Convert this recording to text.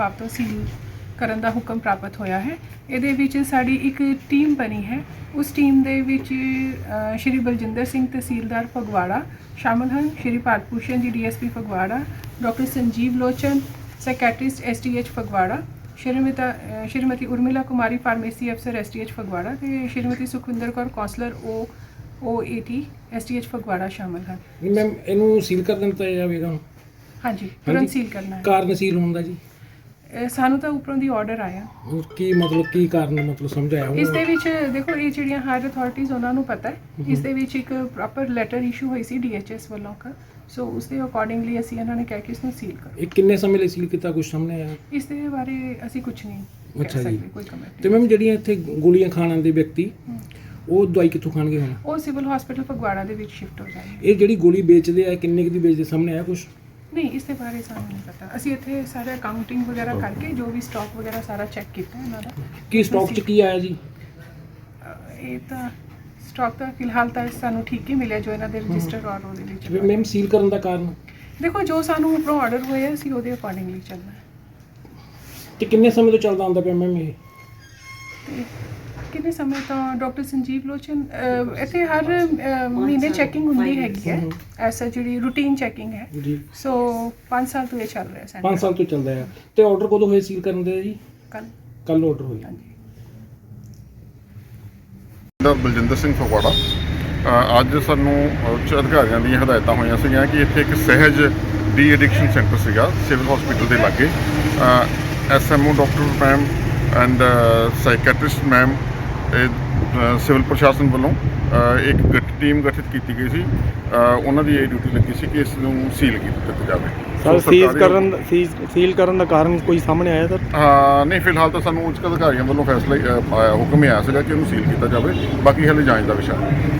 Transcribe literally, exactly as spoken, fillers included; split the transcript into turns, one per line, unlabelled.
ਵਿਭਾਗ ਤੋਂ ਸੀਲ ਕਰਨ ਦਾ ਹੁਕਮ ਪ੍ਰਾਪਤ ਹੋਇਆ ਹੈ। ਇਹਦੇ ਵਿੱਚ ਸਾਡੀ ਇੱਕ ਟੀਮ ਬਣੀ ਹੈ। ਉਸ ਟੀਮ ਦੇ ਵਿੱਚ ਅ, ਸ਼੍ਰੀ ਬਲਜਿੰਦਰ ਸਿੰਘ ਤਹਿਸੀਲਦਾਰ ਫਗਵਾੜਾ ਸ਼ਾਮਲ ਹਨ, ਸ਼੍ਰੀ Bharat Bhushan ji DSP Phagwara, doctor Sanjeev Lochan psychiatrist STH Phagwara, Shrimati ਅ, ਸ਼੍ਰੀਮਤੀ ਉਰਮਿਲਾ ਕੁਮਾਰੀ ਫਾਰਮੇਸੀ ਅਫਸਰ ਐਸਟੀਐਚ ਫਗਵਾੜਾ ਤੇ Shrimati Sukhwinder Kaur counsellor O O AT STH Phagwara ਸ਼ਾਮਲ ਹਨ।
ਮੈਮ ਇਹਨੂੰ ਸੀਲ ਕਰ ਦਿੱਤਾ ਜਾਵੇਗਾ ਹੁਣ?
ਹਾਂਜੀ, ਤੁਰੰਤ ਸੀਲ ਕਰਨਾ ਹੈ।
ਕਾਰਨ ਸੀਲ ਹੋਣ ਦਾ ਜੀ?
ਇਹ ਸਾਨੂੰ ਤਾਂ ਉੱਪਰੋਂ ਦੀ ਆਰਡਰ ਆਇਆ।
ਹੋਰ ਕੀ ਮਤਲਬ ਕੀ ਕਾਰਨ ਮਤਲਬ ਸਮਝਾਇਆ
ਇਸ ਦੇ ਵਿੱਚ ਦੇਖੋ ਇਹ ਜਿਹੜੀਆਂ ਹਾਇਰ ਅਥਾਰਟੀਜ਼ ਉਹਨਾਂ ਨੂੰ ਪਤਾ ਹੈ। ਇਸ ਦੇ ਵਿੱਚ ਇੱਕ ਪ੍ਰੋਪਰ ਲੈਟਰ ਇਸ਼ੂ ਹੋਈ ਸੀ ਡੀਐਚਐਸ ਵੱਲੋਂ ਕਾ, ਸੋ ਉਸ ਦੇ ਅਕੋਰਡਿੰਗਲੀ ਅਸੀਂ ਇਹਨਾਂ ਨੇ ਕਹਿ ਕੇ ਇਸ ਨੂੰ ਸੀਲ ਕਰ।
ਇਹ ਕਿੰਨੇ ਸਮੇਂ ਲਈ ਸੀਲ ਕੀਤਾ, ਕੁਝ ਸਾਹਮਣੇ ਆਇਆ?
ਇਸ ਦੇ ਬਾਰੇ ਅਸੀਂ ਕੁਝ ਨਹੀਂ ਕਹਿ
ਅੱਛਾ ਜੀ।
ਸਕਦੇ, ਕੋਈ ਕਮੈਂਟ
ਤੇ ਮੈਮ ਜਿਹੜੀਆਂ ਇੱਥੇ ਗੋਲੀਆਂ ਖਾਣ ਆਉਂਦੇ ਵਿਅਕਤੀ ਉਹ ਦਵਾਈ ਕਿੱਥੋਂ ਖਾਣਗੇ ਹੁਣ?
ਉਹ ਸਿਵਲ ਹਸਪੀਟਲ ਫਗਵਾੜਾ ਦੇ ਵਿੱਚ ਸ਼ਿਫਟ ਹੋ ਜਾਣਗੇ।
ਇਹ ਜਿਹੜੀ ਗੋਲੀ ਵੇਚਦੇ ਆ ਕਿੰਨੇ ਕੁ ਦੀ ਵੇਚਦੇ, ਸਾਹਮਣੇ ਆਇਆ ਕੁਝ?
ਨਹੀਂ, ਇਸ ਦੇ ਬਾਰੇ ਸਾਨੂੰ ਨਹੀਂ ਪਤਾ। ਅਸੀਂ ਇੱਥੇ ਸਾਰੇ ਅਕਾਊਂਟਿੰਗ ਵਗੈਰਾ ਕਰਕੇ ਜੋ ਵੀ ਸਟਾਕ ਵਗੈਰਾ ਸਾਰਾ ਚੈੱਕ ਕੀਤਾ ਇਹਨਾਂ ਦਾ।
ਕੀ ਸਟਾਕ 'ਚ ਕੀ ਆਇਆ ਜੀ?
ਅਹ ਇਹ ਤਾਂ ਸਟਾਕ ਤਾਂ ਫਿਲਹਾਲ ਤਾਂ ਸਾਨੂੰ ਠੀਕ ਹੀ ਮਿਲਿਆ ਜੋ ਇਹਨਾਂ ਦੇ ਰਜਿਸਟਰ ਔਰ ਉਹਦੇ ਵਿੱਚ।
ਮੈਮ ਸੀਲ ਕਰਨ ਦਾ ਕਾਰਨ?
ਦੇਖੋ ਜੋ ਸਾਨੂੰ ਉੱਪਰੋਂ ਆਰਡਰ ਹੋਇਆ ਅਸੀਂ ਉਹਦੇ ਅਕੋਰਡਿੰਗਲੀ ਚੱਲਣਾ ਹੈ।
ਤੇ ਕਿੰਨੇ ਸਮੇਂ ਤੋਂ ਚੱਲਦਾ ਆਉਂਦਾ ਪਿਆ ਮੈਮ ਇਹ?
ਤੇ ਕਿੰਨੇ ਸਮੇਂ ਤੋਂ ਡਾਕਟਰ ਸੰਜੀਵ ਲੋਚਨ ਅਹ, ਇੱਥੇ ਹਰ ਅਹ, ਮਹੀਨੇ ਚੈਕਿੰਗ ਹੁੰਦੀ ਹੈਗੀ ਹੈ, ਐਸਾ ਜਿਹੜੀ ਰੂਟੀਨ ਚੈਕਿੰਗ ਹੈ।
ਜੀ
ਸੋ ਪੰਜ ਸਾਲ ਤੋਂ ਇਹ ਚੱਲ ਰਿਹਾ ਸੈਂਟਰ।
ਪੰਜ ਸਾਲ ਤੋਂ ਚੱਲਦਾ ਆ। ਤੇ ਆਰਡਰ ਕਦੋਂ ਹੋਏ ਸੀਲ ਕਰਨ ਦੇ ਜੀ?
ਕੱਲ
ਕੱਲ ਆਰਡਰ ਹੋਇਆ।
ਹਾਂਜੀ।
ਦਾ ਬਲਜਿੰਦਰ ਸਿੰਘ ਫਗਵਾੜਾ। ਅ, ਅੱਜ ਸਾਨੂੰ ਉੱਚ ਅਧਿਕਾਰੀਆਂ ਦੀਆਂ ਹਦਾਇਤਾਂ ਹੋਈਆਂ ਸੀਗੀਆਂ ਕਿ ਇੱਥੇ ਇੱਕ ਸਹਿਜ ਡੀ ਐਡਿਕਸ਼ਨ ਸੈਂਟਰ ਸੀਗਾ ਸਿਵਲ ਹਸਪੀਟਲ ਦੇ ਲਾਗੇ। SMO doctor ma'am and psychiatrist ma'am civil ਪ੍ਰਸ਼ਾਸਨ ਵੱਲੋਂ ਅ, ਇੱਕ ਗਠ ਟੀਮ ਗਠਿਤ ਕੀਤੀ ਗਈ ਸੀ। ਅ, ਉਹਨਾਂ ਦੀ ਇਹ ਡਿਊਟੀ ਲੱਗੀ ਸੀ ਕਿ ਇਸ ਨੂੰ ਸੀਲ ਕੀਤਾ ਜਾਵੇ।
ਸਰ
ਸੋ
ਸੀਜ਼
ਸਰਕਾਰੀ-
ਕਰਨ ਦਾ- ਸੀਜ਼ ਸੀਲ ਕਰਨ ਦਾ ਕਾਰਨ ਕੋਈ ਸਾਹਮਣੇ ਆਇਆ ਸਰ?
ਹਾਂ ਨਹੀਂ, ਫਿਲਹਾਲ ਤਾਂ ਸਾਨੂੰ ਉੱਚ ਅਧਿਕਾਰੀਆਂ ਵੱਲੋਂ ਫੈਸਲਾ ਹੀ, ਅ, ਆਇਆ ਹੁਕਮ ਹੀ ਆਇਆ ਸੀਗਾ ਕਿ ਉਹਨੂੰ ਸੀਲ ਕੀਤਾ ਜਾਵੇ। ਬਾਕੀ ਹਾਲੇ ਜਾਂਚ ਦਾ ਵਿਸ਼ਾ ਹੈ।